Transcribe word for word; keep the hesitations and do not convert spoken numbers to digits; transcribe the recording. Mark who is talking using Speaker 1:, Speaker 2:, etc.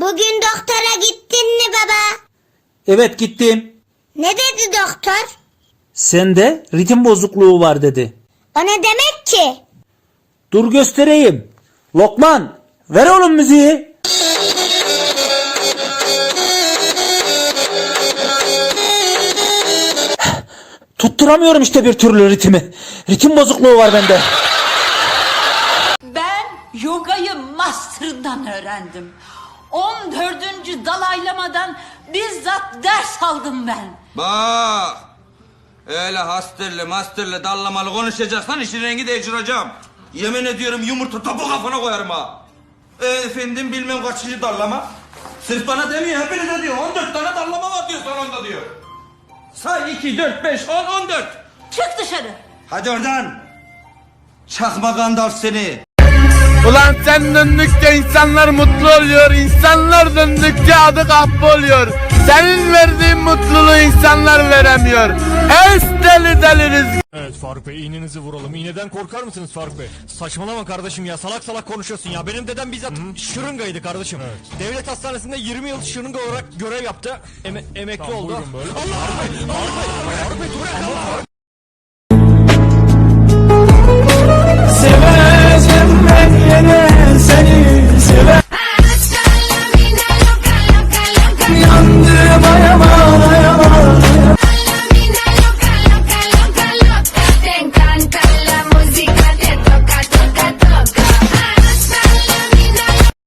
Speaker 1: Bugün doktora gittin mi baba?
Speaker 2: Evet gittim.
Speaker 1: Ne dedi doktor?
Speaker 2: Sende ritim bozukluğu var dedi.
Speaker 1: O ne demek ki?
Speaker 2: Dur göstereyim. Lokman ver oğlum müziği. Tutturamıyorum işte bir türlü ritmi. Ritim bozukluğu var bende.
Speaker 3: Ben yogayı master'ından öğrendim. on dördüncü dalaylamadan bizzat ders aldım ben.
Speaker 4: Bak. Öyle hastırlı mastırlı dallamalı konuşacaksan işin rengi değiştireceğim. Yemin ediyorum yumurta topu kafana koyarım ha. E, efendim bilmem kaçıncı dallama. Sırf bana demiyor hepinize diyor. on dört tane dallama var diyor salonda diyor. Say iki, dört, beş, on, on dört.
Speaker 3: Çık dışarı.
Speaker 4: Hadi oradan. Çakma Gandalf seni.
Speaker 5: Ulan sen döndükçe insanlar mutlu oluyor, insanlar döndükçe adı kahpe oluyor. Senin verdiğin mutluluğu insanlar veremiyor. Es deli deliriz.
Speaker 6: Evet Faruk Bey, iğnenizi vuralım. İğneden korkar mısınız Faruk Bey? Saçmalama kardeşim ya, salak salak konuşuyorsun ya. Benim dedem bizzat Hı? şırıngaydı kardeşim. Evet. Devlet hastanesinde yirmi yıl şırınga olarak görev yaptı. Eme emekli tamam, oldu. Allah! Faruk Bey, Faruk Bey, Faruk Bey, dur ya.